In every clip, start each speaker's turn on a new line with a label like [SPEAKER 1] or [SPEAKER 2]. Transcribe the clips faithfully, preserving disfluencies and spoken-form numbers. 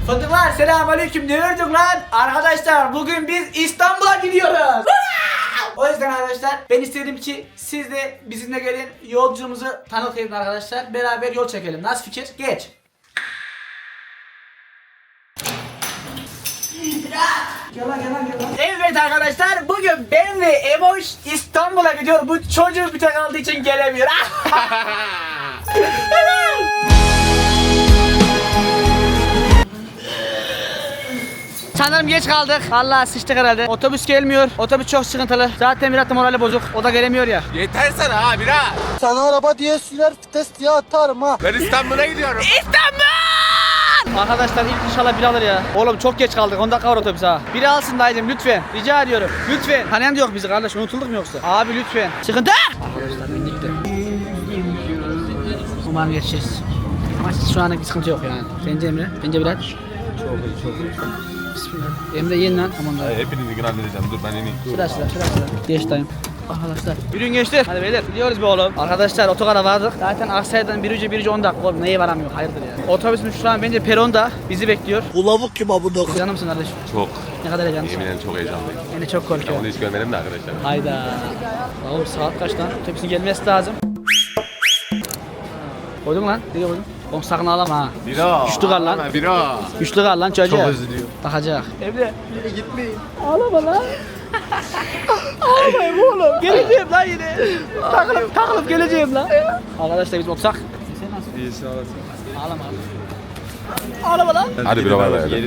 [SPEAKER 1] Fındıklar selamünaleyküm, ne gördük lan? Arkadaşlar bugün biz İstanbul'a gidiyoruz. O yüzden arkadaşlar ben istedim ki siz de bizimle gelin, yolculuğumuzu tanıtayım arkadaşlar. Beraber yol çekelim. Nasıl fikir? Geç. Gel lan, gel lan, gel lan. Evet arkadaşlar, bugün ben ve Emoş İstanbul'a gidiyor. Bu çocuğu bir tek aldığı için gelemiyor. Sanırım geç kaldık. Vallahi sıçtık herhalde. Otobüs gelmiyor. Otobüs çok sıkıntılı. Zaten biraz da morali bozuk. O da gelemiyor ya.
[SPEAKER 2] Yeter sana ha bira.
[SPEAKER 3] Sana araba diye sürer vites diye atarım ha.
[SPEAKER 2] Ben İstanbul'a gidiyorum.
[SPEAKER 1] İstanbul! Arkadaşlar ilk inşallah biri alır ya. Oğlum çok geç kaldık. on dakika var otobüs ha. Biri alsın dayıcım lütfen. Rica ediyorum. Lütfen. Tanıyan da yok bizi kardeş. Unutulduk mu yoksa? Abi lütfen. Sıkıntı. Arkadaşlar bindik de. Umarım geçeceğiz. Ama şu anlık bir sıkıntı yok yani. Bence Emre. Bence Bilal.
[SPEAKER 2] Çok iyi çok iyi.
[SPEAKER 1] Bismillah. Emre yiyin lan. Tamam da.
[SPEAKER 2] Hepinizi gün halledeceğim. Dur ben ineyim.
[SPEAKER 1] Sıra sıra sıra sıra. Geç dayım. Arkadaşlar. Yürüyün gençler. Hadi beyler. Gidiyoruz be oğlum. Arkadaşlar otogara vardık. Zaten Aksaray'dan bir ucu bir ucu on dakika. Oğlum neye varamıyor? Hayırdır yani. Otobüsümüz şu an bence peronda. Bizi bekliyor.
[SPEAKER 3] Bulavuk kim abi bu?
[SPEAKER 1] Canım mısın kardeşim?
[SPEAKER 2] Çok.
[SPEAKER 1] Ne kadar heyecanlısın?
[SPEAKER 2] Yemin ederim çok heyecanlıyım.
[SPEAKER 1] Beni çok
[SPEAKER 2] Ben
[SPEAKER 1] korkuyorum.
[SPEAKER 2] onu hiç görmedim de arkadaşlar.
[SPEAKER 1] Hayda. Oğlum saat kaç lan? Otobüsün gelmesi lazım. Koydun lan. Nereye koydun? Oğlum sakın ağlama ha.
[SPEAKER 2] Bira.
[SPEAKER 1] Güçlü kal lan.
[SPEAKER 2] Bira.
[SPEAKER 1] Güçlü kal lan çocuğa.
[SPEAKER 2] Çok özlüyor.
[SPEAKER 1] Bakacak. Emre. Yine gitmeyin. Ağlama lan. Ağlamayayım oğlum. Geleceğim lan yine. Takılıp takılıp geleceğim lan. Arkadaşlar biz otursak. Sen nasıl?
[SPEAKER 2] İyisin olasın.
[SPEAKER 1] Ağlama. Ağlama lan.
[SPEAKER 2] Hadi bira var ya.
[SPEAKER 1] Arkadaşlar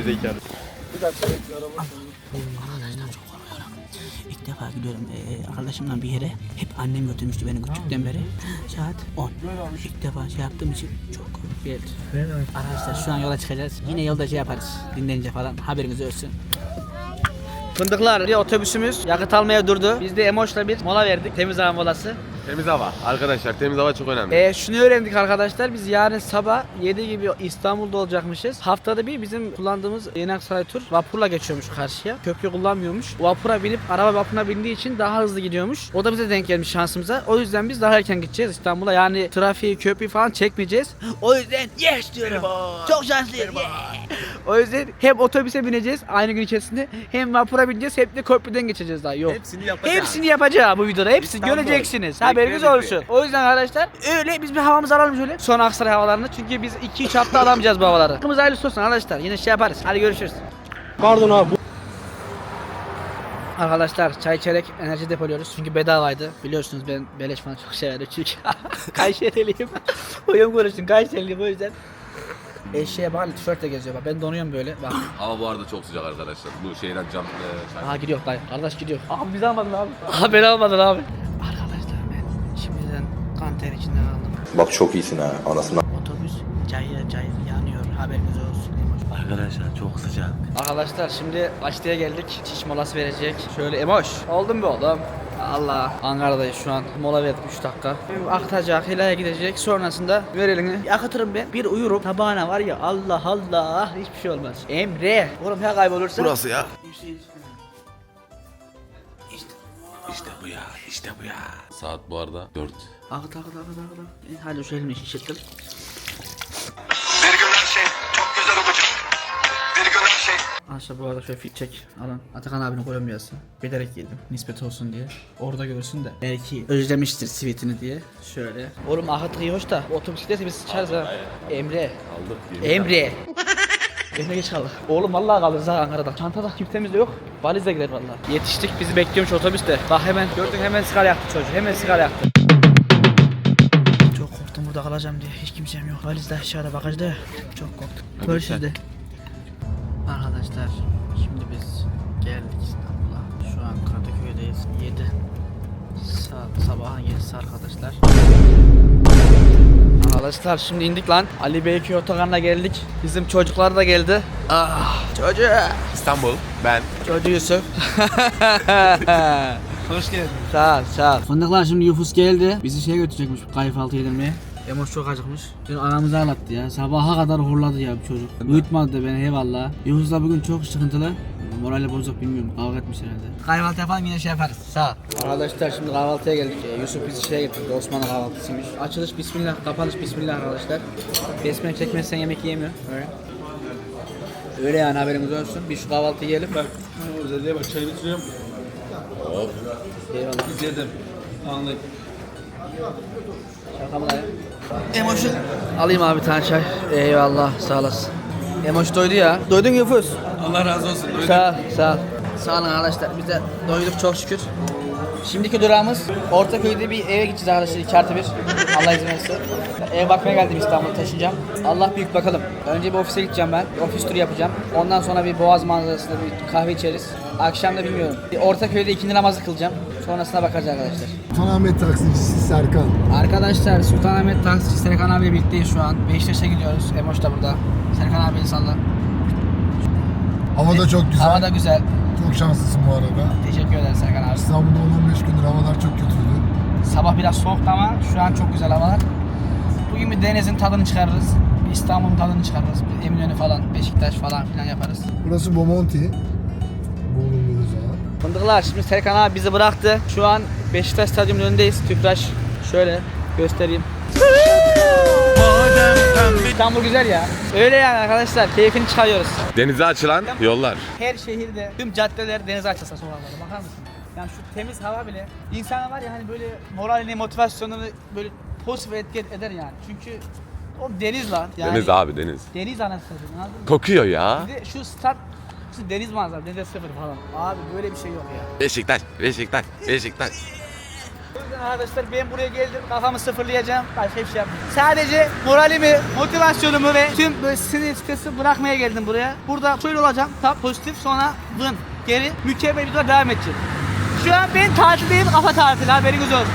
[SPEAKER 1] çok korkuyorum. İlk defa gidiyorum ee, arkadaşımla bir yere. Hep annem götürmüştü beni küçükten beri. Saat on. İlk defa şey yaptığım için çok korkuyorum. Arkadaşlar şu an yola çıkacağız. Yine yolda şey yaparız. Dinlenince falan haberiniz olsun. Fındıklar bir otobüsümüz yakıt almaya durdu. Biz de Emoş'la bir mola verdik. Temiz hava molası.
[SPEAKER 2] Temiz hava. Arkadaşlar temiz hava çok önemli.
[SPEAKER 1] Ee, şunu öğrendik arkadaşlar, biz yarın sabah yedi gibi İstanbul'da olacakmışız. Haftada bir bizim kullandığımız Yeni Aksaray tur vapurla geçiyormuş karşıya. Köprü kullanmıyormuş. Vapura binip araba vapuruna bindiği için daha hızlı gidiyormuş. O da bize denk gelmiş şansımıza. O yüzden biz daha erken gideceğiz İstanbul'a. Yani trafiği, köprüyü falan çekmeyeceğiz. O yüzden yes diyorum. Çok şanslıyım. Yeah. O yüzden hem otobüse bineceğiz aynı gün içerisinde, hem vapura bineceğiz, hem de köprüden geçeceğiz daha. Yok.
[SPEAKER 2] Hepsini yapacağız.
[SPEAKER 1] Hepsini yapacağız bu videoda. Hepsini
[SPEAKER 2] İstanbul.
[SPEAKER 1] göreceksiniz. Haberiniz olsun. O yüzden arkadaşlar öyle biz bir havamızı alalım şöyle. Son Aksaray havalarını. Çünkü biz iki üç hafta alamayacağız bu havaları. Hakkımız hayırlısı olsun arkadaşlar. Yine şey yaparız. Hadi görüşürüz.
[SPEAKER 3] Pardon abi.
[SPEAKER 1] Arkadaşlar çay içerek enerji depoluyoruz. Çünkü bedavaydı. Biliyorsunuz ben beleş falan çok severim çünkü. Kayseri'liyim. Uyum konuştum. Kayseri'liyim o yüzden. Eşeğe bağlı tişörtle geziyor bak. Ben donuyorum böyle. Bak.
[SPEAKER 2] Hava bu arada çok sıcak arkadaşlar. Bu şeyden cam... E,
[SPEAKER 1] Aha gidiyor dayı. Kardeş gidiyor. Abi biz almadın abi. Aha beni almadın abi. Arkadaşlar ben şimdiden kan ter içinden aldım.
[SPEAKER 4] Bak çok iyisin ha anasını.
[SPEAKER 1] Otobüs cayır cayır yanıyor, haberiniz olsun. Arkadaşlar çok sıcak. Arkadaşlar şimdi Açlı'ya geldik. Çiş molası verecek. Şöyle Emoş. Oldun mu oğlum? Allah. Ankara'dayız şu an. Mola verdik üç dakika. Akıtacak, Hila'ya gidecek. Sonrasında ver elini. Akıtırım ben. Bir uyurum. Tabağına var ya Allah Allah. Hiçbir şey olmaz. Emre. Oğlum ya kaybolursa.
[SPEAKER 2] Burası ya. İşte bu ya. İşte bu ya. Saat bu arada dört.
[SPEAKER 1] Akıt akıt akıt akıt. E, hadi şu elimi şişirttim.
[SPEAKER 5] Bir gün her şey çok güzel olacak. Bir gün her şey.
[SPEAKER 1] Aşağı bu arada şöyle fit çek. Alın. Atakan abinin Kolombiyası. Bilerek yedim. Nispet olsun diye. Orada görsün de. Belki özlemiştir sweetini diye. Şöyle. Oğlum akıtı iyi hoş da. Otobüs giderse biz sıçarız ha. Emre.
[SPEAKER 2] Aldık.
[SPEAKER 1] Emre. Emre geç kaldık. Oğlum vallahi kalırız ha Ankara'da. Çantada kimsemiz de yok. Valizle gider vallahi. Yetiştik, bizi bekliyormuş otobüste. Bak hemen gördün, hemen sigara yaktı çocuk. Hemen sigara yaktı. Çok korktum burada kalacağım diye. Hiç kimsem yok. Valiz de aşağıda, bagajda. Çok korktum. Görüşürüz de. Arkadaşlar şimdi biz geldik İstanbul'a. Şu an Kadıköy'deyiz. yedi saat, sabahın yedisi arkadaşlar. Arkadaşlar şimdi indik lan. Ali Beyköy otogarına geldik. Bizim çocuklar da geldi. Ah çocuğu.
[SPEAKER 2] İstanbul. Ben.
[SPEAKER 1] Çocuğu Yusuf. Hoş geldin. Sağ ol, sağ ol. Fındıklar şimdi Yufus geldi. Bizi şeye götürecekmiş kahvaltı yedirmeye. Emoş çok acıkmış. Dün anamızı ağlattı ya. Sabaha kadar horladı ya bu çocuk. Uyutmadı da beni eyvallah. Yufus'la bugün çok sıkıntılı. Morali bozuk, bilmiyorum. Kavga etmiş herhalde. Kahvaltı yapalım yine şey yaparız. Sağ ol. Arkadaşlar şimdi kahvaltıya geldik. Ee, Yusuf bizi şeye getirdi. Osmanlı kahvaltısıymış. Açılış bismillah, kapanış bismillah arkadaşlar. Besmele çekmezsen yemek yiyemiyor. Evet. Öyle yani haberimiz olsun. Bir şu kahvaltı yiyelim.
[SPEAKER 6] Bak özelliğe bak çay bitiriyorum.
[SPEAKER 2] Hop.
[SPEAKER 1] Eyvallah.
[SPEAKER 6] İzledim. Anlık.
[SPEAKER 1] Şaka ya? Emoş'u alayım abi bir tane çay. Eyvallah sağ olasın. Emoş doydu ya. Doydun mu Yufus?
[SPEAKER 6] Allah razı olsun. Öyle.
[SPEAKER 1] Sağ ol, sağ ol. Sağ olun arkadaşlar. Biz de doyduk çok şükür. Şimdiki durağımız Ortaköy'de bir eve gideceğiz arkadaşlar. iki artı bir. Allah izin verirse. Eve bakmaya geldim, İstanbul'a taşınacağım. Allah büyük bakalım. Önce bir ofise gideceğim ben. Ofis turu yapacağım. Ondan sonra bir Boğaz manzarasında bir kahve içeriz. Akşam da bilmiyorum. Bir Ortaköy'de ikindi namazı kılacağım. Sonrasına bakacağız arkadaşlar.
[SPEAKER 7] Sultanahmet taksicisi Serkan.
[SPEAKER 1] Arkadaşlar Sultanahmet taksici Serkan abiyle birlikteyiz şu an. Beşiktaş'a gidiyoruz. Emoş da burada. Serkan abi insanla.
[SPEAKER 7] Hava da çok güzel.
[SPEAKER 1] Hava da güzel.
[SPEAKER 7] Çok şanslısın bu arada.
[SPEAKER 1] Teşekkür ederim Serkan abi.
[SPEAKER 7] İstanbul'da on on beş gündür havalar çok kötüydü.
[SPEAKER 1] Sabah biraz soğuktu ama şu an çok güzel havalar. Bugün bir denizin tadını çıkarırız. Bir İstanbul'un tadını çıkarırız. Bir Eminönü falan, Beşiktaş falan filan yaparız.
[SPEAKER 7] Burası Bomonti. Bulunduğumuz zaman.
[SPEAKER 1] Fındıklar, şimdi Serkan abi bizi bıraktı. Şu an Beşiktaş stadyumunun önündeyiz. Tüpraş şöyle göstereyim. İstanbul güzel ya. Öyle yani arkadaşlar, keyfini çıkarıyoruz.
[SPEAKER 2] Denize açılan yollar.
[SPEAKER 1] Her şehirde tüm caddeler denize açılsa sokaklarda, bakar mısın? Yani şu temiz hava bile insana var ya hani böyle moralini, motivasyonunu böyle pozitif etki eder yani. Çünkü o deniz lan. Yani
[SPEAKER 2] Deniz abi deniz.
[SPEAKER 1] Deniz anasını satayım, anladın mı?
[SPEAKER 2] Kokuyor ya.
[SPEAKER 1] Bir de şu stat, şu deniz manzarası, denize sıfır falan. Abi böyle bir şey yok ya.
[SPEAKER 2] Beşiktaş, Beşiktaş, Beşiktaş.
[SPEAKER 1] O yüzden arkadaşlar ben buraya geldim, kafamı sıfırlayacağım, başka bir şey yapmayacağım. Sadece moralimi, motivasyonumu ve tüm böyle sinir stresi bırakmaya geldim buraya. Burada şöyle olacağım, tam pozitif, sonra vın, geri mükemmel bir dura devam edeceğim. Şu an ben tatildeyim, kafa tatili, haberiniz olsun.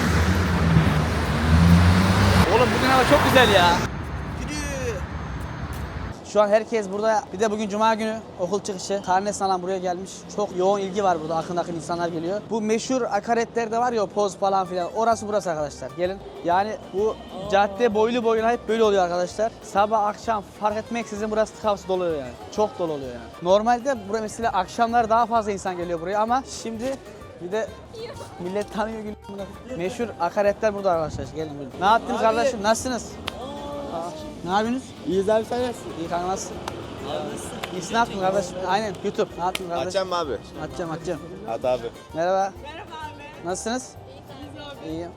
[SPEAKER 1] Oğlum bugün hava çok güzel ya. Yürü. Şu an herkes burada. Bir de bugün cuma günü okul çıkışı. Karnesini alan buraya gelmiş. Çok yoğun ilgi var burada. Akın akın insanlar geliyor. Bu meşhur akaretler de var ya, o poz falan filan. Orası burası arkadaşlar. Gelin. Yani bu cadde boylu boyuna hep böyle oluyor arkadaşlar. Sabah akşam fark etmeksizin burası tıkavsı doluyor yani. Çok dolu oluyor yani. Normalde buraya mesela akşamlar daha fazla insan geliyor buraya ama şimdi bir de millet tanıyor gülüyor. Meşhur akaretler burada arkadaşlar. Gelin buyurun. Ne yaptınız kardeşim? Nasılsınız? Ne yapıyorsunuz?
[SPEAKER 3] İyiyiz abi sen nasılsın?
[SPEAKER 1] İyi kanka, nasılsın? İyisin, ne yaptın kardeşim? Aynen YouTube. Ne yaptın kardeşim?
[SPEAKER 3] Açacağım mı abi?
[SPEAKER 1] Atacağım atacağım.
[SPEAKER 3] At abi.
[SPEAKER 1] Merhaba. Merhaba abi. Nasılsınız? İyiyiz abi. İyiyim.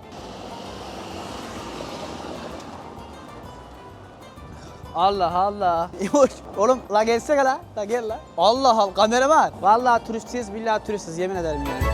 [SPEAKER 1] Allah Allah. Oğlum la gelsene la. La gel la. Allah Allah, kameraman. Vallahi turistiz, billahi turistiz, yemin ederim yani.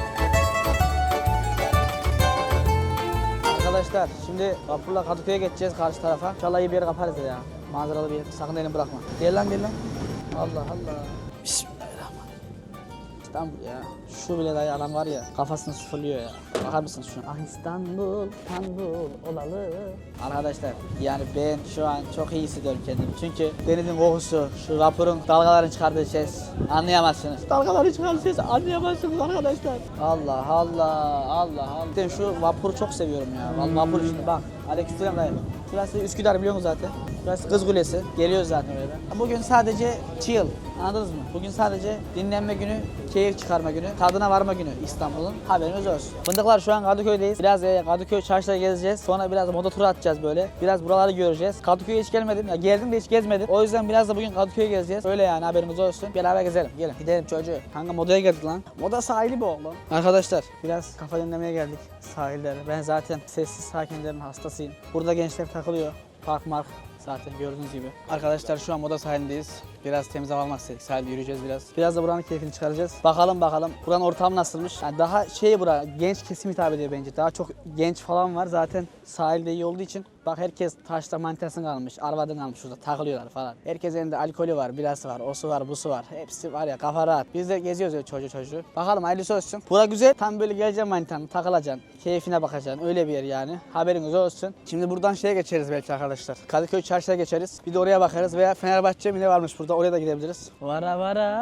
[SPEAKER 1] Arkadaşlar şimdi vapurla Kadıköy'e geçeceğiz karşı tarafa. İnşallah iyi bir yer kaparız ya. Manzaralı bir yer. Sakın elini bırakma. Gel lan gel lan. Allah Allah. Bismillahirrahmanirrahim. İstanbul ya. Şu bile dayı adam var ya, kafasını sıfırlıyor ya. Bakar mısınız şu an? Ah İstanbul, İstanbul olalı. Arkadaşlar yani ben şu an çok iyi hissediyorum kendimi. Çünkü denizin kokusu, şu vapurun dalgaların çıkardığı ses anlayamazsınız. Dalgaların çıkardığı ses anlayamazsınız arkadaşlar. Allah Allah, Allah Allah. Ben şu vapuru çok seviyorum ya. Vallahi vapur şimdi bak. Aleykümselam dayı. Şurası Üsküdar, biliyorsunuz zaten. Burası Kız Kulesi. Geliyoruz zaten öyle. Bugün sadece chill. Anladınız mı? Bugün sadece dinlenme günü, keyif çıkarma günü, tadına varma günü İstanbul'un. Haberiniz olsun. Fındıklar, şu an Kadıköy'deyiz. Biraz e, Kadıköy çarşıda gezeceğiz. Sonra biraz moda turu atacağız böyle. Biraz buraları göreceğiz. Kadıköy'e hiç gelmedim. Ya geldim de hiç gezmedim. O yüzden biraz da bugün Kadıköy'e gezeceğiz. Öyle yani, haberimiz olsun. Beraber gezelim. Gelin. Gidelim çocuğu. Kanka modaya geldik lan. Moda sahili bu oğlum. Arkadaşlar biraz kafa dinlemeye geldik sahillere. Ben zaten sessiz sakinlerin hastasıyım. Burada gençler takılıyor. Park mark. Zaten gördüğünüz gibi. Arkadaşlar şu an moda sahilindeyiz. Biraz temiz hava almak istedik. Sahilde yürüyeceğiz biraz. Biraz da buranın keyfini çıkaracağız. Bakalım bakalım. Buranın ortamı nasılmış? Yani daha şey bura, genç kesim hitap ediyor bence. Daha çok genç falan var. Zaten sahilde iyi olduğu için. Bak herkes taşta manitasını kalmış. Arvadını kalmış şurada. Takılıyorlar falan. Herkesin elinde alkolü var, birası var, osu var, busu var. Hepsi var ya, kafa rahat. Biz de geziyoruz öyle çocuğu çocuğu. Bakalım hayırlısı olsun. Bura güzel. Tam böyle geleceksin manitanı, takılacaksın. Keyfine bakacaksın. Öyle bir yer yani. Haberiniz olsun. Şimdi buradan şeye geçeriz belki arkadaşlar. Kadıköy çarşıya geçeriz. Bir de oraya bakarız veya Fenerbahçe mi ne varmış burada. Oraya da gidebiliriz. Vara vara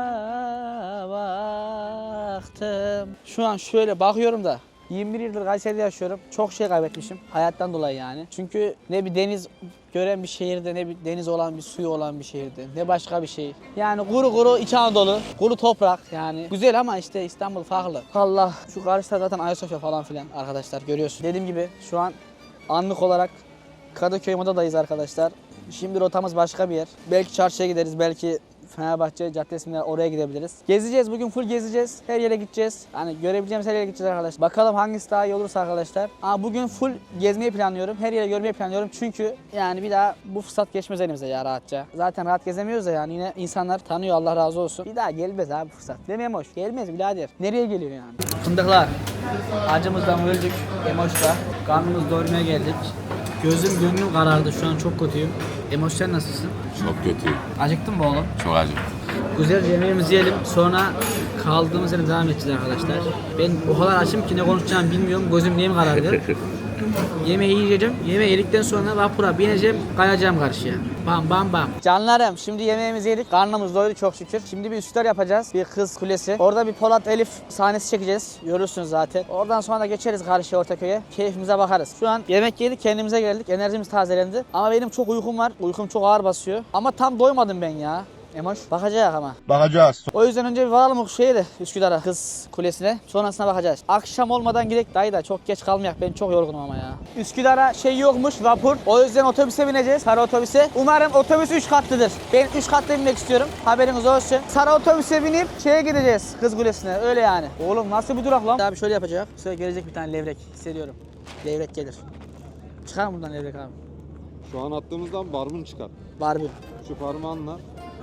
[SPEAKER 1] baktım. Şu an şöyle bakıyorum da yirmi bir yıldır Kayseri'de yaşıyorum. Çok şey kaybetmişim hayattan dolayı yani. Çünkü ne bir deniz gören bir şehirde, ne bir deniz olan, bir suyu olan bir şehirde, ne başka bir şey. Yani kuru kuru İç Anadolu, kuru toprak yani. Güzel ama işte İstanbul farklı. Allah, şu karşıda zaten Ayasofya falan filan arkadaşlar, görüyorsun. Dediğim gibi şu an anlık olarak Kadıköy Moda'dayız arkadaşlar. Şimdi rotamız başka bir yer. Belki çarşıya gideriz, belki Fenerbahçe Caddesi'nde oraya gidebiliriz. Gezeceğiz bugün, full gezeceğiz. Her yere gideceğiz. Hani görebileceğimiz her yere gideceğiz arkadaşlar. Bakalım hangisi daha iyi olursa arkadaşlar. Ama bugün full gezmeyi planlıyorum. Her yere görmeyi planlıyorum. Çünkü yani bir daha bu fırsat geçmez elimize ya rahatça. Zaten rahat gezemiyoruz da yani yine insanlar tanıyor, Allah razı olsun. Bir daha gelmez abi fırsat. Demeyeyim hoş. Gelmez birader. Nereye geliyor yani? Fındıklar. Acımızdan öldük. Emoş'la. Karnımız doyurmaya geldik. Gözüm gönlüm karardı. Şu an çok kötüyüm. Emoş sen nasılsın?
[SPEAKER 2] Çok kötü.
[SPEAKER 1] Acıktın mı oğlum?
[SPEAKER 2] Çok acı.
[SPEAKER 1] Güzel yemeğimizi yiyelim. Sonra kaldığımız yerden devam edeceğiz arkadaşlar. Ben o kadar açım ki ne konuşacağımı bilmiyorum. Gözüm neyim karardı. Yemeği yiyeceğim. Yemeği yedikten sonra vapura bineceğim. Kayacağım karşıya. Bam bam bam. Canlarım şimdi yemeğimizi yedik. Karnımız doydu çok şükür. Şimdi bir Üsküdar yapacağız. Bir kız kulesi. Orada bir Polat Elif sahnesi çekeceğiz. Görürsünüz zaten. Oradan sonra da geçeriz karşıya Ortaköy'e. Keyfimize bakarız. Şu an yemek yedik, kendimize geldik. Enerjimiz tazelendi. Ama benim çok uykum var. Uykum çok ağır basıyor. Ama tam doymadım ben ya. Emoş. Bakacağız ama.
[SPEAKER 3] Bakacağız.
[SPEAKER 1] O yüzden önce bir varalım o şeye de Üsküdar'a, kız kulesine. Sonrasına bakacağız. Akşam olmadan gidelim dayı da çok geç kalmayak. Ben çok yorgunum ama ya. Üsküdar'a şey yokmuş, vapur. O yüzden otobüse bineceğiz. Sarı otobüse. Umarım otobüs üç katlıdır. Ben üç katlı binmek istiyorum. Haberiniz olsun. Sarı otobüse binip şeye gideceğiz. Kız kulesine. Öyle yani. Oğlum nasıl bir durak lan? Abi şöyle yapacak. Şöyle gelecek bir tane levrek. Hissediyorum. Levrek gelir. Çıkar mı buradan levrek abi?
[SPEAKER 8] Şu an attığımızdan barbun çıkar.
[SPEAKER 1] Barbie.
[SPEAKER 8] Şu parmağınla.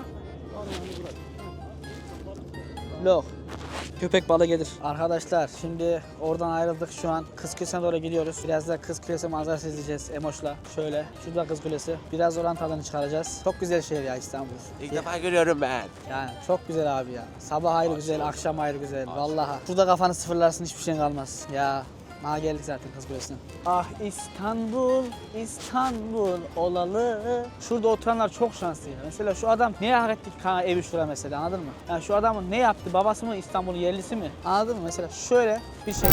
[SPEAKER 1] Lok. Köpek balığı gelir. Arkadaşlar şimdi oradan ayrıldık, şu an Kız Kulesi'ne doğru gidiyoruz. Biraz da Kız Kulesi manzarası izleyeceğiz Emoş'la. Şöyle şurada Kız Kulesi. Biraz oranın tadını çıkaracağız. Çok güzel şehir ya İstanbul.
[SPEAKER 3] İlk defa görüyorum ben.
[SPEAKER 1] Yani çok güzel abi ya. Sabah ayrı güzel, akşam ayrı güzel. Vallahi. Şurada kafanı sıfırlarsın, hiçbir şeyin kalmaz. Ya. Ha geldik zaten Kız Kulesi'ne. Ah İstanbul, İstanbul olalı. Şurada oturanlar çok şanslı ya. Mesela şu adam neye hak ettik kanka evi şura mesela, anladın mı? Yani şu adamın ne yaptı? Babası mı İstanbul'un yerlisi mi? Anladın mı? Mesela şöyle bir şey.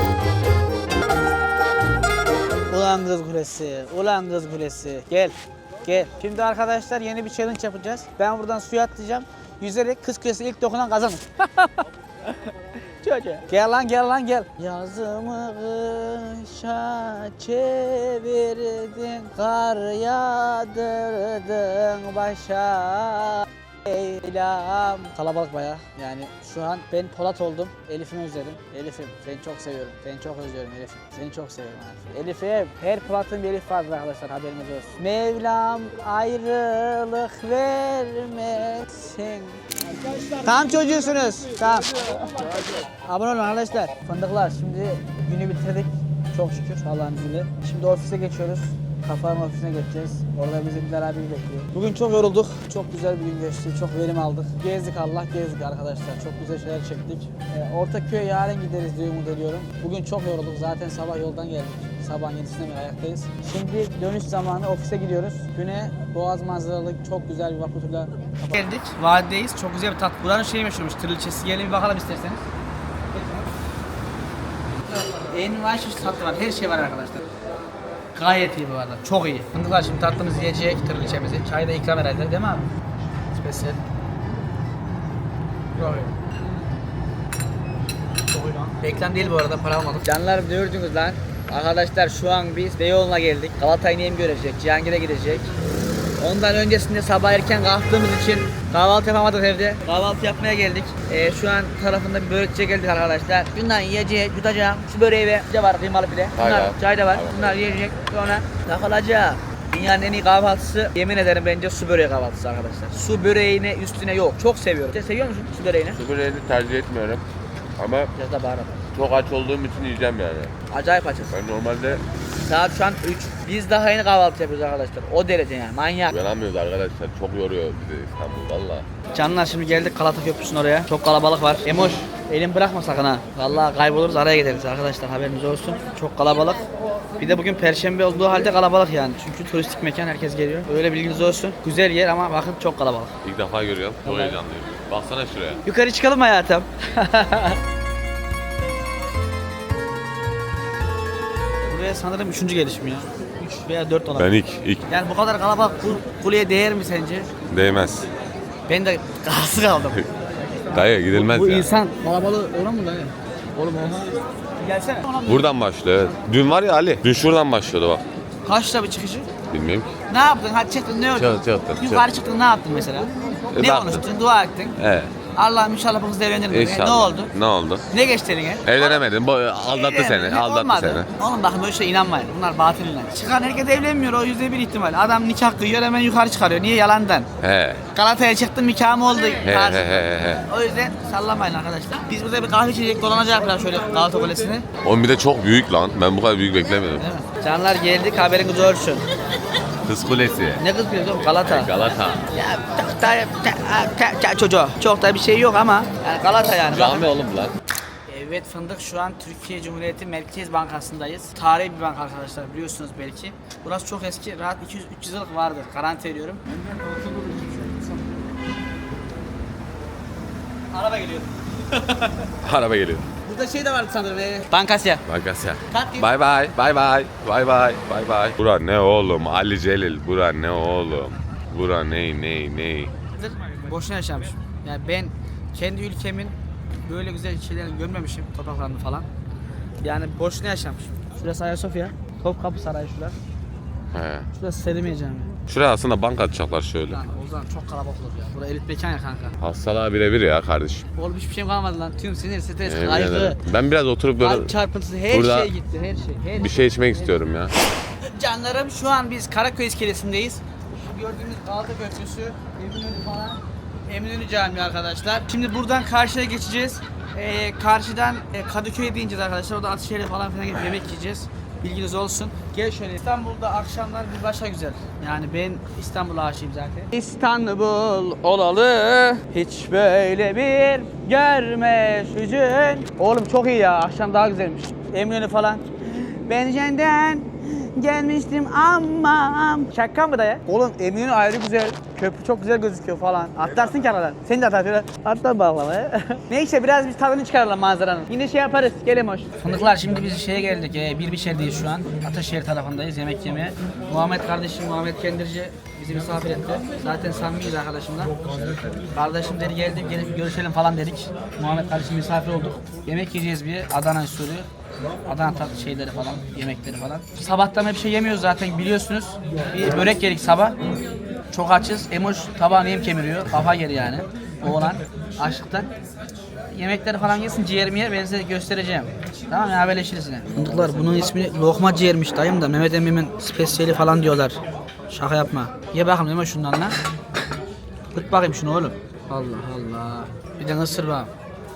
[SPEAKER 1] Ulan Kız Kulesi, ulan Kız Kulesi. Gel, gel. Şimdi arkadaşlar yeni bir challenge yapacağız. Ben buradan suya atlayacağım. Yüzerek Kız Kulesi'ne ilk dokunan kazanır. Çocuğa. Gel lan gel lan gel. Yazımı kışa çevirdin, kar yağdırdın başa. Eylem. Kalabalık baya. Yani şu an ben Polat oldum. Elif'imi özledim. Elif'im seni çok seviyorum. Seni çok özlüyorum Elif'im. Seni çok seviyorum abi. Elif'im. Her Polat'ın bir Elif vardır arkadaşlar, haberiniz olsun. Mevlam ayrılık vermesin. Tam çocuğusunuz. Tamam. Abone olun arkadaşlar. Fındıklar şimdi günü bitirdik. Çok şükür Allah'ın izniyle. Şimdi ofise geçiyoruz. Kafanın ofisine geçeceğiz. Orada bizimkiler abi bekliyor. Bugün çok yorulduk. Çok güzel bir gün geçti. Çok verim aldık. Gezdik Allah gezdik arkadaşlar. Çok güzel şeyler çektik. Ee, Ortaköy'e yarın gideriz diye umut ediyorum. Bugün çok yorulduk. Zaten sabah yoldan geldik. Sabahın yedisinde beri ayaktayız. Şimdi dönüş zamanı ofise gidiyoruz. Güne Boğaz manzaralı çok güzel bir vapur turla geldik. Vadideyiz. Çok güzel bir tat. Buranın şeyi meşhurmuş. Tırlıçesi. Gelin bir bakalım isterseniz. En var çeşit tatlı var. Her şey var arkadaşlar. Gayet iyi bu arada. Çok iyi. Fındıklar şimdi tatlımızı yiyecek, tırlıçemizi. Çay da ikram herhalde değil mi abi? Spesiyel. Çok iyi. Çok iyi lan. Reklam değil bu arada, para almadık. Canlarım gördünüz lan. Arkadaşlar şu an biz Beyoğlu'na geldik. Galata'yı neyim görecek, Cihangir'e gidecek. Ondan öncesinde sabah erken kalktığımız için kahvaltı yapamadık evde. Kahvaltı yapmaya geldik. Ee, şu an tarafında bir börekçiye geldik arkadaşlar. Bundan yiyeceğiz, yutacağım. Şu böreği ve bir de var kıymalı pide. Bunlar,
[SPEAKER 2] Aynen.
[SPEAKER 1] çay da var.
[SPEAKER 2] Aynen.
[SPEAKER 1] Bunlar yiyecek. Sonra takılacak. Dünyanın en iyi kahvaltısı, yemin ederim bence su böreği kahvaltısı arkadaşlar. Su böreğine üstüne yok. Çok seviyorum. Sen seviyor musun su böreğini?
[SPEAKER 2] Su böreğini tercih etmiyorum. Ama
[SPEAKER 1] Biraz da baharat.
[SPEAKER 2] çok aç olduğum için yiyeceğim yani.
[SPEAKER 1] Acayip açız.
[SPEAKER 2] Ben normalde
[SPEAKER 1] Saat şu an üç. Biz daha yeni kahvaltı yapıyoruz arkadaşlar. O derece yani, manyak.
[SPEAKER 2] uyanamıyoruz arkadaşlar. Çok yoruyor bizi İstanbul valla.
[SPEAKER 1] Canlar şimdi geldik Galata Köprüsü'nün oraya. Çok kalabalık var. Emoş, elin bırakma sakın ha. Vallahi kayboluruz, araya gideriz arkadaşlar, haberiniz olsun. Çok kalabalık. Bir de bugün perşembe olduğu halde kalabalık yani. Çünkü turistik mekan, herkes geliyor. Öyle bilginiz olsun. Güzel yer ama bakın çok kalabalık.
[SPEAKER 2] İlk defa görüyorum. Çok heyecanlıyım. Baksana şuraya.
[SPEAKER 1] Yukarı çıkalım mı hayatım? Buraya sanırım üçüncü gelişim ya. Üç veya dört olabilir.
[SPEAKER 2] Ben ilk, ilk.
[SPEAKER 1] Yani bu kadar kalabalık bu kuleye değer mi sence?
[SPEAKER 2] Değmez.
[SPEAKER 1] Ben de kası kaldım.
[SPEAKER 2] Dayı gidilmez
[SPEAKER 1] Bu
[SPEAKER 2] ya.
[SPEAKER 1] insan kalabalığı oran mı dayı? Oğlum oha. Gelsene.
[SPEAKER 2] Buradan başlıyor evet. Dün var ya Ali. Dün şuradan başlıyordu bak.
[SPEAKER 1] Kaçta bir çıkışı?
[SPEAKER 2] Bilmiyorum ki.
[SPEAKER 1] Ne yaptın? Hadi çıktın, ne oldu?
[SPEAKER 2] Çıktı, çıktı,
[SPEAKER 1] Yukarı çıktın, ne yaptın mesela? Ne
[SPEAKER 2] baktım.
[SPEAKER 1] konuştun? Dua ettin.
[SPEAKER 2] Evet.
[SPEAKER 1] Allah'ım inşallah bu kız evlenir mi?
[SPEAKER 2] İnşallah.
[SPEAKER 1] Ne oldu?
[SPEAKER 2] Ne oldu?
[SPEAKER 1] Ne geçti eline?
[SPEAKER 2] Evlenemedin. Bu aldattı seni. Aldattı
[SPEAKER 1] Olmadı.
[SPEAKER 2] seni.
[SPEAKER 1] Oğlum bakın böyle şey inanmayın. Bunlar batılinden. Çıkan herkes evlenmiyor. O yüzde bir ihtimal. Adam nikah kıyıyor hemen yukarı çıkarıyor. Niye? Yalandan.
[SPEAKER 2] He.
[SPEAKER 1] Galata'ya çıktım nikahım oldu.
[SPEAKER 2] He
[SPEAKER 1] tarzı.
[SPEAKER 2] he he he.
[SPEAKER 1] O yüzden sallamayın arkadaşlar. Biz burada bir kahve içecek dolanacak biraz şöyle Galata Kulesi'ni.
[SPEAKER 2] Oğlum bir de çok büyük lan. Ben bu kadar büyük beklemiyordum.
[SPEAKER 1] Değil mi? Canlar geldik haberiniz olsun.
[SPEAKER 2] Kız Kulesi.
[SPEAKER 1] Ne kız biliyorsun Galata.
[SPEAKER 2] Galata.
[SPEAKER 1] Ya çok da ta- ta- ta- çocuğu. Çok da bir şey yok ama yani Galata yani.
[SPEAKER 2] Cami oğlum lan.
[SPEAKER 1] Evet Fındık şu an Türkiye Cumhuriyeti Merkez Bankası'ndayız. Tarihi bir banka arkadaşlar biliyorsunuz belki. Burası çok eski. Rahat iki yüz üç yüz yıllık vardır. Garanti ediyorum. Araba geliyor.
[SPEAKER 2] Araba geliyor.
[SPEAKER 1] Burada şey de vardı sanırım. E, Bankasya.
[SPEAKER 2] Bagasya.
[SPEAKER 1] Kalk
[SPEAKER 2] Bay bay. Bay bay. Bay bay. Bay bay. Bura ne oğlum? Ali Celil. Bura ne oğlum? Bura ne ne ne?
[SPEAKER 1] Boşuna yaşamışım. Yani ben kendi ülkemin böyle güzel şeylerini görmemişim. Topraklarını falan. Yani boşuna yaşamışım. Şurası Ayasofya. Topkapı Sarayı şurası.
[SPEAKER 2] He.
[SPEAKER 1] Şurası Selimiye Camii.
[SPEAKER 2] Şuraya aslında banka atacaklar şöyle.
[SPEAKER 1] Lan o zaman çok kalabalık olur ya. Burası elit mekan ya kanka.
[SPEAKER 2] Hastalığa birebir ya kardeşim.
[SPEAKER 1] Oğlum hiçbir şeyim kalmadı lan. Tüm sinir, stres,
[SPEAKER 2] Yemin
[SPEAKER 1] kaygı,
[SPEAKER 2] ederim. Ben biraz oturup böyle
[SPEAKER 1] kalp çarpıntısı her
[SPEAKER 2] burada
[SPEAKER 1] şey gitti. Her şey. Her
[SPEAKER 2] bir şey içmek istiyorum ya.
[SPEAKER 1] Canlarım şu an biz Karaköy iskelesindeyiz. Şu gördüğünüz Galata Köprüsü, Eminönü falan. Eminönü Camii arkadaşlar. Şimdi buradan karşıya geçeceğiz. Ee, karşıdan e, Kadıköy'e ineceğiz arkadaşlar. Orada Atışehir'e falan filan gidip yemek yiyeceğiz. Bilginiz olsun. Gel şöyle. İstanbul'da akşamlar bir başka güzel. Yani ben İstanbul'a aşığım zaten. İstanbul olalı hiç böyle bir görme hüzün. Oğlum çok iyi ya. Akşam daha güzelmiş. Eminönü falan. Ben senden gelmiştim ama. Şaka mı da ya? Oğlum Eminönü ayrı güzel. Köprü çok güzel gözüküyor falan. Atlarsın ki aradan. Sen de atar şöyle. Atla bağlamaya. Neyse biraz biz tadını çıkaralım manzaranın. Yine şey yaparız. Gelin hoş. Fındıklar şimdi biz şeye geldik. E, bir biçerdeyiz şu an. Ataşehir tarafındayız yemek yemeye. Muhammed kardeşim Muhammed Kendirci bizi misafir etti. Zaten samimiyiz arkadaşımla. Kardeşim dedi geldik gelip görüşelim falan dedik. Muhammed kardeşim misafir olduk. Yemek yiyeceğiz bir Adana usulü. Adana tatlı şeyleri falan, yemekleri falan. Sabahtan hep şey yemiyoruz zaten biliyorsunuz. Bir börek yedik sabah. Çok açız. Emoş tabağını yem kemiriyor. Kafa geri yani. Oğlan açlıktan. Yemekleri falan yesin ciğerimi yer ben size göstereceğim. Tamam ya haberleşiriz yine. Fındıklar bunun ismi lokma ciğermiş dayım da Mehmet Emmi'nin spesiyeli falan diyorlar. Şaka yapma. Ye bakalım değil mi şundan lan? Kırk bakayım şunu oğlum. Allah Allah. Bir de ısır bak.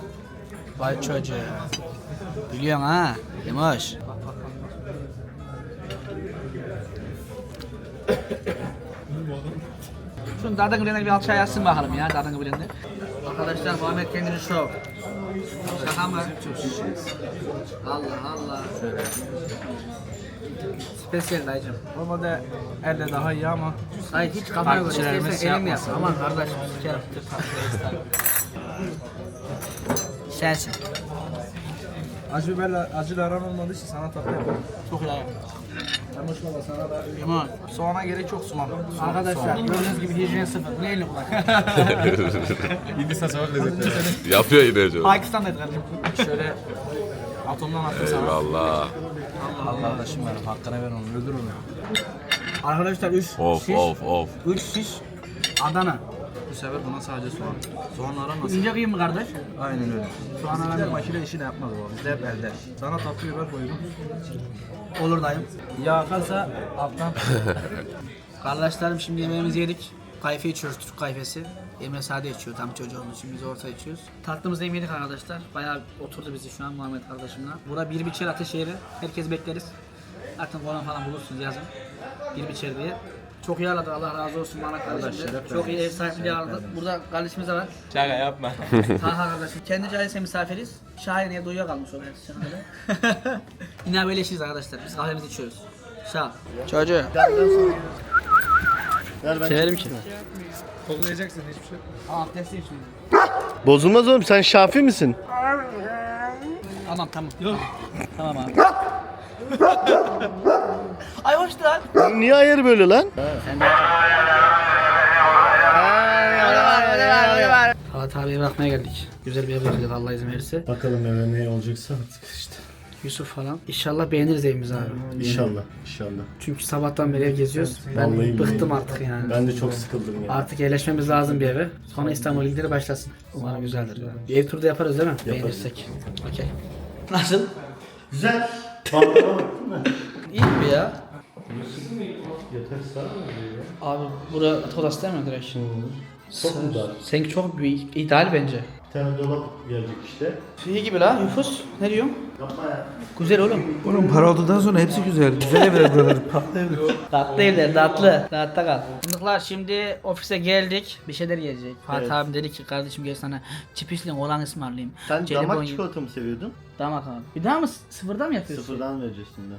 [SPEAKER 1] Vay çocuğu. Biliyorsun ha. Emoş. Şunu Dardan Gıblen'e bir alçaya yazsın bakalım ya Dardan Gıblen'de. Arkadaşlar Muhammed kendini şov. Şaka mı? Allah Allah. Spesiyel dayıcım.
[SPEAKER 6] Normalde elle daha iyi ama
[SPEAKER 1] Hayır hiç kafana göre
[SPEAKER 6] Takipçilerimiz
[SPEAKER 1] istersen elinle yap.
[SPEAKER 6] yapmasın.
[SPEAKER 1] Aman kardeşim sikerim. Sensin.
[SPEAKER 6] acı biberle acıyla aran olmadığı için sana tatlı yaparım.
[SPEAKER 1] Çok iyi.
[SPEAKER 6] Ama şu baba sana da
[SPEAKER 1] Yaman.
[SPEAKER 6] soğana gerek yok soğan.
[SPEAKER 1] Arkadaşlar gördüğünüz gibi hijyen sıfır. Ne elini kulak?
[SPEAKER 6] Hindistan sokak lezzetleri.
[SPEAKER 2] Yapıyor yine canım.
[SPEAKER 1] Pakistan'daydı kardeşim.
[SPEAKER 6] Şöyle atomdan attım sana.
[SPEAKER 2] Eyvallah.
[SPEAKER 6] Allah aşkına ver hakkını ver onu öldür onu.
[SPEAKER 1] Arkadaşlar üç
[SPEAKER 2] Of
[SPEAKER 1] şiş.
[SPEAKER 2] of of.
[SPEAKER 1] üç şiş Adana.
[SPEAKER 6] Bu sefer buna sadece soğan. Soğanla aran
[SPEAKER 1] İnce kıyım mı kardeş?
[SPEAKER 6] Aynen öyle.
[SPEAKER 1] Soğan
[SPEAKER 6] Bizde
[SPEAKER 1] aramıyor.
[SPEAKER 6] makine işi de yapmaz bu. Bizde hep elde. Sana tatlı biber koydum.
[SPEAKER 1] Olur dayım.
[SPEAKER 6] Yağ akarsa alttan.
[SPEAKER 1] Kardeşlerim şimdi yemeğimizi yedik. Kayfe içiyoruz, Türk kayfesi. Emre sade içiyor, tam çocuğumuz için biz orta içiyoruz. Tatlımızı yemedik arkadaşlar. Bayağı oturdu bizi şu an Muhammed kardeşimle. Bura bir biçer Ateşehir'i. Herkes bekleriz. Zaten konan falan bulursunuz yazın. Bir biçer diye. Çok iyi ağırladı Allah razı olsun Muhammed kardeşim de. Çok iyi ev sahipliği ağırladı. Burada kardeşimiz de var.
[SPEAKER 6] Şaka yapma.
[SPEAKER 1] Taha kardeşim. Kendi cahilse misafiriz. Şahin evde uyuyakalmış o şahane. Yine haberleşiriz arkadaşlar. Biz kahvemizi içiyoruz. Sağ ol. Çocuğu. Severim ki.
[SPEAKER 6] Koklayacaksın hiçbir şey.
[SPEAKER 1] Aa, abdestliyim şimdi.
[SPEAKER 3] Bozulmaz oğlum, sen Şafi misin?
[SPEAKER 1] Tamam tamam. Yok. Tamam abi. Ay hoş lan.
[SPEAKER 3] Niye ayarı böyle lan?
[SPEAKER 1] Halat abiye bakmaya geldik. Güzel bir ev bakacağız Allah izin verirse.
[SPEAKER 7] Bakalım eve ne olacaksa artık işte.
[SPEAKER 1] Yusuf falan. İnşallah beğeniriz evimizi abi.
[SPEAKER 3] İnşallah. İnşallah.
[SPEAKER 1] Çünkü sabahtan beri ev geziyoruz. Ben
[SPEAKER 3] Vallahi
[SPEAKER 1] bıktım
[SPEAKER 3] billahi.
[SPEAKER 1] artık yani.
[SPEAKER 3] Ben de çok sıkıldım ya.
[SPEAKER 1] Artık yerleşmemiz lazım bir eve. Sonra İstanbul ilgileri başlasın. Umarım güzeldir. Ya. Bir ev turu da yaparız değil mi? Beğenirsek. Okey. Nasıl?
[SPEAKER 3] Güzel. Balkona bak değil mi?
[SPEAKER 1] İyi mi ya?
[SPEAKER 3] Yatak sağ mı ya?
[SPEAKER 1] Abi bura yatak odası değil mi direkt?
[SPEAKER 3] Çok mu dar?
[SPEAKER 1] Seninki çok büyük. İdeal bence.
[SPEAKER 3] Bir tane dolap gelecek işte.
[SPEAKER 1] İyi gibi la Yufus. Ne diyorsun?
[SPEAKER 3] Yapma ya.
[SPEAKER 1] Güzel oğlum.
[SPEAKER 6] Oğlum para olduktan sonra hepsi güzel. Güzel evler buralar. Patlı evler.
[SPEAKER 1] Tatlı evler tatlı. Rahatta kal. Fındıklar şimdi ofise geldik. Bir şeyler yiyecek. Fatih
[SPEAKER 3] Evet.
[SPEAKER 1] abim dedi ki kardeşim gel sana çipisli olan ısmarlayayım.
[SPEAKER 3] Sen
[SPEAKER 1] Jelibon
[SPEAKER 3] damak
[SPEAKER 1] ye-
[SPEAKER 3] çikolata mı seviyordun?
[SPEAKER 1] Damak abi. Bir daha mı s- sıfırdan mı yapıyorsun?
[SPEAKER 3] Sıfırdan vereceğiz şimdi.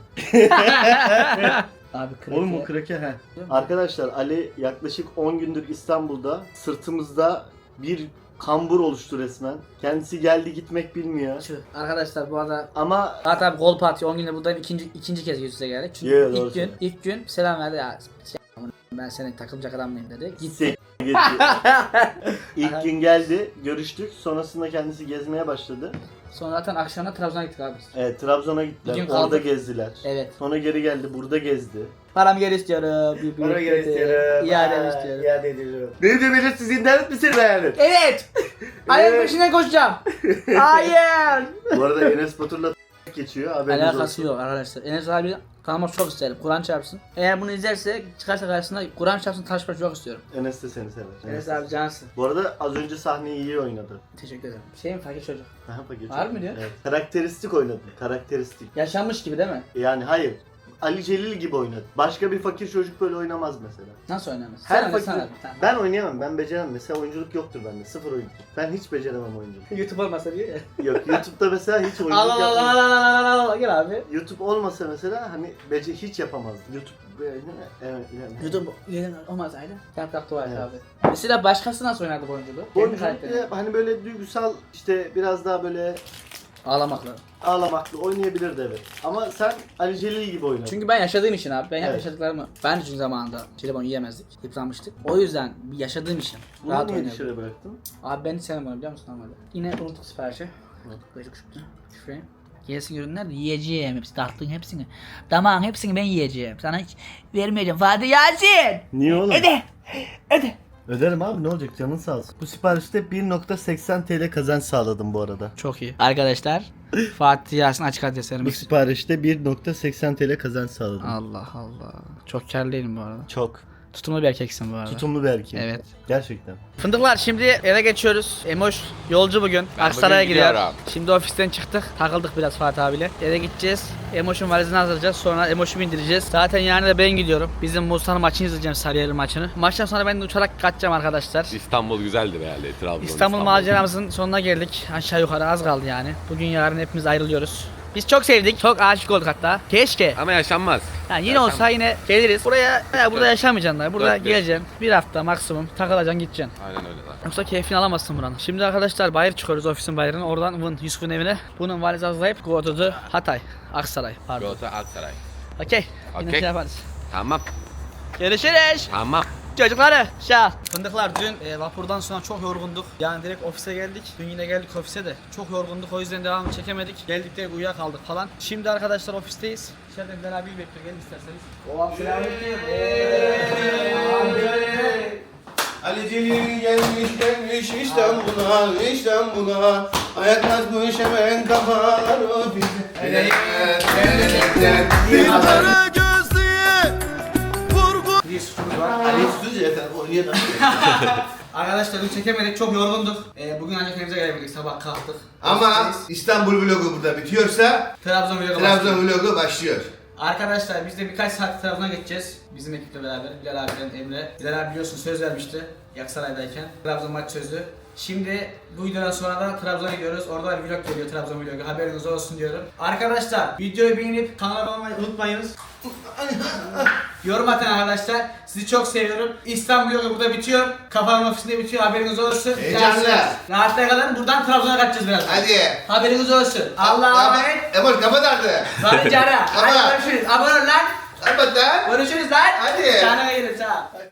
[SPEAKER 1] Abi kraker.
[SPEAKER 3] Oğlum o kraker he. Arkadaşlar Ali yaklaşık on gündür İstanbul'da. Sırtımızda bir kambur oluştu resmen. Kendisi geldi gitmek bilmiyor.
[SPEAKER 1] Tüh. Arkadaşlar bu arada
[SPEAKER 3] Ama
[SPEAKER 1] Fatih abi gol parti on günde buradayım ikinci ikinci kez yüz yüze geldik. Çünkü
[SPEAKER 3] Yeah, doğru
[SPEAKER 1] ilk gün
[SPEAKER 3] söylüyorsun.
[SPEAKER 1] ilk gün selam verdi ya. s- Ben senin takılacak adam mıyım dedi. Gitti.
[SPEAKER 3] se- geçiyor. İlk gün geldi, görüştük. Sonrasında kendisi gezmeye başladı.
[SPEAKER 1] Sonra zaten akşamda Trabzon'a gittik abi. biz.
[SPEAKER 3] Evet, Trabzon'a gittiler.
[SPEAKER 1] Bir gün
[SPEAKER 3] Orada
[SPEAKER 1] kaldık.
[SPEAKER 3] gezdiler.
[SPEAKER 1] Evet.
[SPEAKER 3] Sonra geri geldi, burada gezdi.
[SPEAKER 1] Paramı geri istiyorum. Bir büyük kötü. İademi istiyorum.
[SPEAKER 3] İade ediyorum. Ne diyor siz internet misiniz yani?
[SPEAKER 1] Evet. Ayın
[SPEAKER 3] Evet.
[SPEAKER 1] peşine koşacağım. Hayır.
[SPEAKER 3] Bu arada Enes Batur'la geçiyor. Haberiniz
[SPEAKER 1] Alakası
[SPEAKER 3] olsun.
[SPEAKER 1] yok arkadaşlar. Enes abi tanımak çok isterim. Kur'an çarpsın. Eğer bunu izlerse çıkarsa karşısına Kur'an çarpsın tanışmak çok istiyorum.
[SPEAKER 3] Enes de seni sever.
[SPEAKER 1] Enes abi cansın.
[SPEAKER 3] Bu arada az önce sahneyi iyi oynadı.
[SPEAKER 1] Teşekkür ederim. Şey mi fakir çocuk?
[SPEAKER 3] Daha fakir.
[SPEAKER 1] Var mı diyor?
[SPEAKER 3] Evet. Karakteristik oynadı. Karakteristik.
[SPEAKER 1] Yaşanmış gibi değil mi?
[SPEAKER 3] Yani hayır. Ali Celil gibi oynadı. Başka bir fakir çocuk böyle oynamaz mesela.
[SPEAKER 1] Nasıl oynamaz?
[SPEAKER 3] Her
[SPEAKER 1] Sen
[SPEAKER 3] fakir...
[SPEAKER 1] sana bir tane.
[SPEAKER 3] Ben oynayamam. Ben beceremem. Mesela oyunculuk yoktur bende. Sıfır oyunculuk. Ben hiç beceremem oyunculuk.
[SPEAKER 1] YouTube olmasa diyor ya.
[SPEAKER 3] Yok, YouTube'da mesela hiç oyunculuk
[SPEAKER 1] Allah Allah
[SPEAKER 3] yapmam.
[SPEAKER 1] Allah Allah Allah Allah gel abi.
[SPEAKER 3] YouTube olmasa mesela hani bece hiç yapamazdım. YouTube böyle evet, evet.
[SPEAKER 1] YouTube gelin olmasaydı yaprak dua et
[SPEAKER 3] Evet.
[SPEAKER 1] abi. Mesela başkası nasıl oynardı bu oyunculuğu? Kendi
[SPEAKER 3] Oyunculuk
[SPEAKER 1] karakteri.
[SPEAKER 3] ya, hani böyle duygusal işte biraz daha böyle
[SPEAKER 1] Ağlamakla.
[SPEAKER 3] ağlamaklı oynayabilirdi evet. Ama sen Ali Celil gibi oynadın.
[SPEAKER 1] Çünkü ben yaşadığım için abi. Ben hep
[SPEAKER 3] Evet.
[SPEAKER 1] yaşadıklarımı. Ben de çünkü zamanında jelibon yiyemezdik. Yıpranmıştık. O yüzden yaşadığım için
[SPEAKER 3] Bunu
[SPEAKER 1] rahat
[SPEAKER 3] niye
[SPEAKER 1] oynuyorum.
[SPEAKER 3] dışarı bıraktın?
[SPEAKER 1] Abi ben hiç sevmem onu biliyor musun normalde. Yine unuttuk siparişi. Böyle çıktı. Şifreyi. Gelsin ürünler de yiyeceğim hepsi. Tatlının hepsini. Damağın hepsini ben yiyeceğim. Sana hiç vermeyeceğim. Fatih Yasin!
[SPEAKER 3] Niye oğlum?
[SPEAKER 1] Öde! Öde!
[SPEAKER 3] Öderim abi, ne olacak, canın sağ olsun. Bu siparişte bir nokta seksen T L kazanç sağladım bu arada.
[SPEAKER 1] Çok iyi. Arkadaşlar Fatih Yasin açık adreslerimiz.
[SPEAKER 3] Bu siparişte bir nokta seksen T L kazanç sağladım.
[SPEAKER 1] Allah Allah. Çok karlıyım bu arada.
[SPEAKER 3] Çok.
[SPEAKER 1] Tutumlu bir erkeksin bu arada.
[SPEAKER 3] Tutumlu bir erkeğim.
[SPEAKER 1] Evet.
[SPEAKER 3] Gerçekten.
[SPEAKER 1] Fındıklar şimdi eve geçiyoruz. Emoş yolcu bugün.
[SPEAKER 2] Ben
[SPEAKER 1] Aksaray'a
[SPEAKER 2] bugün
[SPEAKER 1] gidiyor.
[SPEAKER 2] gidiyorum.
[SPEAKER 1] Şimdi ofisten çıktık. Takıldık biraz Fatih abiyle. Eve gideceğiz. Emoş'un valizini hazırlayacağız. Sonra Emoş'u bindireceğiz. Zaten yarın da ben gidiyorum. Bizim Musa'nın maçını izleyeceğim, Sarıyer maçını. Maçtan sonra ben de uçarak kaçacağım arkadaşlar.
[SPEAKER 2] İstanbul güzeldir herhalde. Trabzon.
[SPEAKER 1] İstanbul maceramızın sonuna geldik. Aşağı yukarı az kaldı yani. Bugün yarın hepimiz ayrılıyoruz. Biz çok sevdik. Çok aşık olduk hatta. Keşke.
[SPEAKER 2] Ama yaşanmaz.
[SPEAKER 1] Yani yine
[SPEAKER 2] Yaşanmaz.
[SPEAKER 1] olsa yine geliriz. Buraya ya burada yaşamayacaksın. Burada
[SPEAKER 2] Dört bir.
[SPEAKER 1] geleceksin. Bir hafta maksimum takılacaksın gideceksin.
[SPEAKER 2] Aynen öyle zaten.
[SPEAKER 1] Yoksa keyfini alamazsın buranın. Şimdi arkadaşlar bayır çıkıyoruz, ofisin bayırına. Oradan Vın Yusuf'un evine. Bunun valizi hazırlayıp go to the Hatay. Aksaray pardon.
[SPEAKER 2] Galata Aksaray.
[SPEAKER 1] Okey. Yine
[SPEAKER 2] Okey.
[SPEAKER 1] şey yaparız.
[SPEAKER 2] Tamam.
[SPEAKER 1] Görüşürüz.
[SPEAKER 2] Tamam.
[SPEAKER 1] Çocukları şah. Fındıklar dün e, vapurdan sonra çok yorgunduk. Yani direkt ofise geldik. Dün yine geldik ofise de. Çok yorgunduk, o yüzden devamını çekemedik. Geldik direkt uyuyakaldık falan. Şimdi arkadaşlar ofisteyiz. İçeride Bilal abi bekliyor. Gelin isterseniz. O selamünaleyküm.
[SPEAKER 9] Ali Celil gelmiş gelmiş İstanbul'a İstanbul'a ayak basmış hemen kafalar ofise.
[SPEAKER 1] Bir suçumuz var.
[SPEAKER 9] Ali Süz yeter oynayalım.
[SPEAKER 1] Arkadaşlar dün çekemedik, çok yorgunduk. Ee, bugün ancak evimize gelebildik, sabah kalktık.
[SPEAKER 9] Ama
[SPEAKER 1] Ofisteyiz.
[SPEAKER 9] İstanbul vlogu burada bitiyorsa
[SPEAKER 1] Trabzon vlogu başlıyor.
[SPEAKER 9] Trabzon vlogu başlıyor.
[SPEAKER 1] Arkadaşlar biz de birkaç saat Trabzon'a geçeceğiz. Bizim ekiple beraber. Bilal abiden Emre. Bilal abi biliyorsun söz vermişti. Yaksaray'dayken. Trabzon maç sözü. Şimdi bu videodan sonra da Trabzon'a gidiyoruz. Orada bir vlog geliyor, Trabzon vlogu. Haberiniz olsun diyorum. Arkadaşlar videoyu beğenip kanala abone olmayı unutmayınız. Yorum atın arkadaşlar. Sizi çok seviyorum. İstanbul vlogu burada bitiyor. Kafanın ofisinde bitiyor. Haberiniz olsun.
[SPEAKER 9] Heyecanlı.
[SPEAKER 1] Rahatla kalın. Buradan Trabzon'a kaçacağız biraz.
[SPEAKER 9] Hadi.
[SPEAKER 1] Haberiniz olsun. Allah'a emanet.
[SPEAKER 9] Emoş kapat artık.
[SPEAKER 1] Hadi canım.
[SPEAKER 9] Kapat.
[SPEAKER 1] Hadi görüşürüz. Abone ol lan.
[SPEAKER 9] Kapat lan.
[SPEAKER 1] Görüşürüz lan.
[SPEAKER 9] Hadi.
[SPEAKER 1] Canına gelin sağ.